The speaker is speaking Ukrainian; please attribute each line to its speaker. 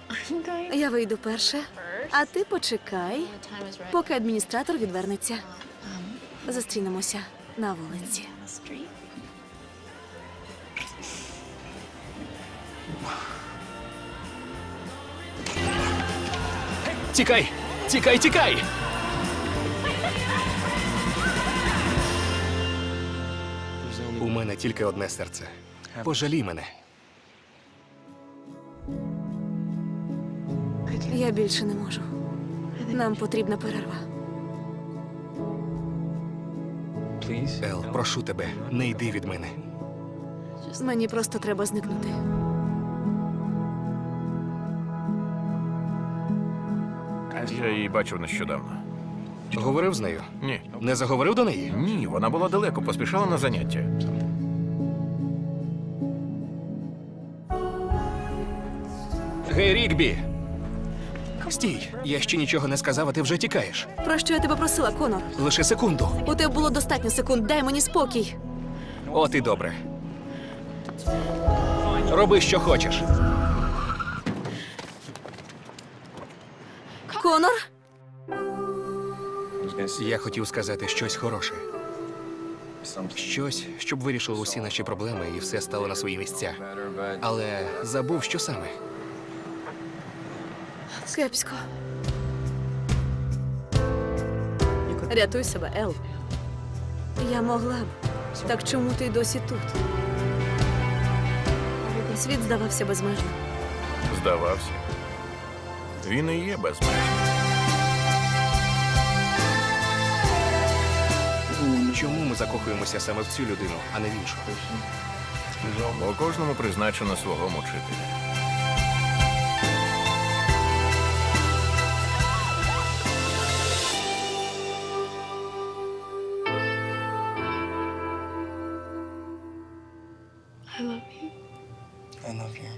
Speaker 1: Я вийду перша, а ти почекай, поки адміністратор відвернеться. Зустрінемося на вулиці.
Speaker 2: Тікай! Тікай, тікай! У мене тільки одне серце. Пожалій мене.
Speaker 1: Я більше не можу. Нам потрібна перерва.
Speaker 2: Ел, прошу тебе, не йди від мене.
Speaker 1: Мені просто треба зникнути.
Speaker 3: Я її бачив нещодавно.
Speaker 2: Говорив з нею?
Speaker 3: Ні.
Speaker 2: Не заговорив до неї?
Speaker 3: Ні, вона була далеко, поспішала на заняття.
Speaker 2: Гей, Рікбі! Стій, я ще нічого не сказав, а ти вже тікаєш.
Speaker 1: Про що я тебе просила, Конор?
Speaker 2: Лише секунду.
Speaker 1: У тебе було достатньо секунд, дай мені спокій.
Speaker 2: От і добре. Роби, що хочеш.
Speaker 1: Конор?
Speaker 2: Я хотів сказати щось хороше. Щось, щоб вирішило усі наші проблеми і все стало на свої місця. Але забув, що саме.
Speaker 1: Кепсько. Рятуй себе, Ел. Я могла б. Так чому ти досі тут? Світ здавався безмежним.
Speaker 3: Здавався. Він і є безмежним.
Speaker 2: Чому ми закохуємося саме в цю людину, а не в іншу?
Speaker 3: Бо кожному призначено свого мучителя.
Speaker 4: I love you.